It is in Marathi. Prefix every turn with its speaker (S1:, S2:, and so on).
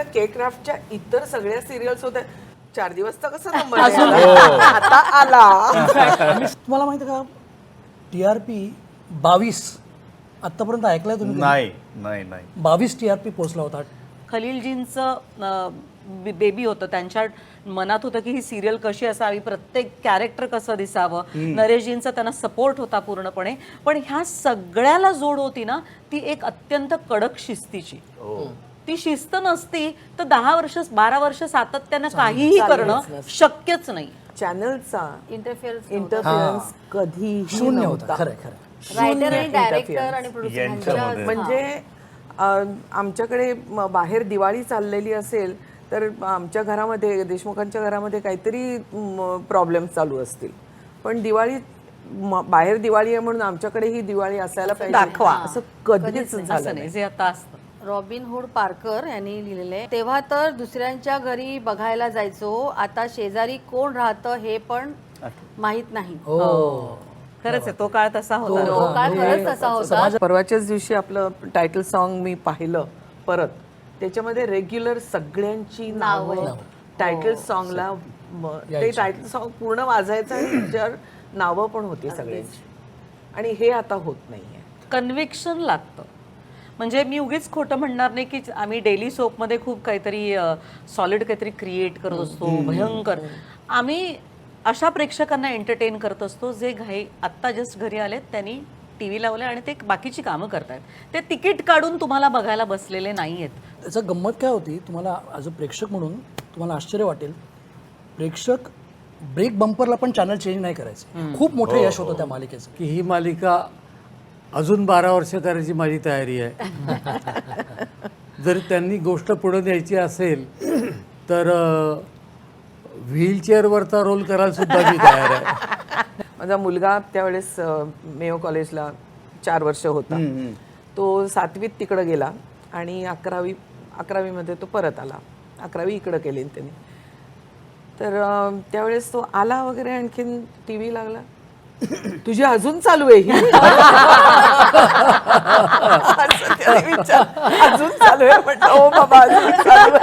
S1: केक क्राफ्टच्या इतर सगळ्या सिरियल्स होत्या 4 दिवस तर कसं नंबर आता आला.
S2: तुम्हाला माहिती का TRP 22 आतापर्यंत ऐकलंय तुम्ही?
S3: नाही नाही नाही
S2: 22 TRP पोहोचला होता.
S4: खलीलजींचं बेबी होतं, त्यांच्या मनात होतं की ही सिरियल कशी असावी, प्रत्येक कॅरेक्टर कसं दिसावं. नरेशजींचा त्यांना सपोर्ट होता पूर्णपणे. पण ह्या सगळ्याला जोड होती ना ती एक अत्यंत कडक शिस्तीची. ती शिस्त नसती तर 10 वर्ष 12 वर्ष सातत्यानं काहीही करणं शक्यच नाही.
S1: चॅनलचा
S5: इंटरफिअरन्स
S1: कधीही
S2: शून्य होता.
S1: नव्हता.
S2: खरं खरं.
S5: रायटर आणि डायरेक्टर आणि प्रोड्युसर
S3: यांच्यामध्ये.
S1: म्हणजे आमच्याकडे बाहेर दिवाळी चाललेली असेल तर आमच्या घरामध्ये देशमुखांच्या घरामध्ये काहीतरी प्रॉब्लेम चालू असतील, पण दिवाळी बाहेर दिवाळी आहे म्हणून आमच्याकडे ही दिवाळी असायला पाहिजे
S4: दाखवा.
S1: असं कधीच
S4: असं
S1: झालं
S4: नाही
S1: नाही.
S4: जे आता असतं.
S5: रॉबिन हुड पार्कर यांनी लिहिलेले. तेव्हा तर दुसऱ्यांच्या घरी बघायला जायचो, आता शेजारी कोण राहतं हे पण माहित नाही.
S4: खरंच आहे, तो काळ तसा होता.
S5: तो काळ खरंच तसा होता.
S1: परवाच्याच दिवशी आपलं टायटल सॉन्ग मी पाहिलं परत, त्याच्यामध्ये रेग्युलर सगळ्यांची नावं टायटल सॉन्गला ते टायटल सॉन्ग पूर्ण वाजायचं आणि त्याच्यावर नावं पण होती सगळ्यांची, आणि हे आता होत नाहीये.
S4: कन्व्हिक्शन लागतं. म्हणजे मी उगीच खोटं म्हणणार नाही की आम्ही डेली सोपमध्ये खूप काहीतरी सॉलिड काहीतरी क्रिएट करत असतो, भयंकर. आम्ही अशा प्रेक्षकांना एंटरटेन करत असतो जे आत्ता जस्ट घरी आलेत, त्यांनी टी व्ही लावले आणि ते बाकीची कामं करतायत, ते तिकीट काढून तुम्हाला बघायला बसलेले नाही आहेत.
S2: त्याचं गंमत काय होती, तुम्हाला ॲज अ प्रेक्षक म्हणून तुम्हाला आश्चर्य वाटेल, प्रेक्षक ब्रेक बंपरला पण चॅनल चेंज नाही करायचे. खूप मोठं यश होतं त्या मालिकेचं.
S6: की ही मालिका अजून 12 वर्ष करायची माझी तयारी आहे. जर त्यांनी गोष्ट पुढे न्यायची असेल तर व्हीलचेअरवरचा रोल करायला सुद्धा मी तयार आहे.
S1: माझा मुलगा त्यावेळेस मेयो कॉलेजला 4 वर्ष होता. तो 7वीत तिकडं गेला आणि 11वीमध्ये तो परत आला. 11वी इकडं केली त्यांनी. तर त्यावेळेस तो आला वगैरे, आणखीन टी व्ही लागला, तुझी अजून चालू आहे ही? असं त्याने विचारलं. अजून चालू आहे म्हटलं, हो बाबा अजून चालू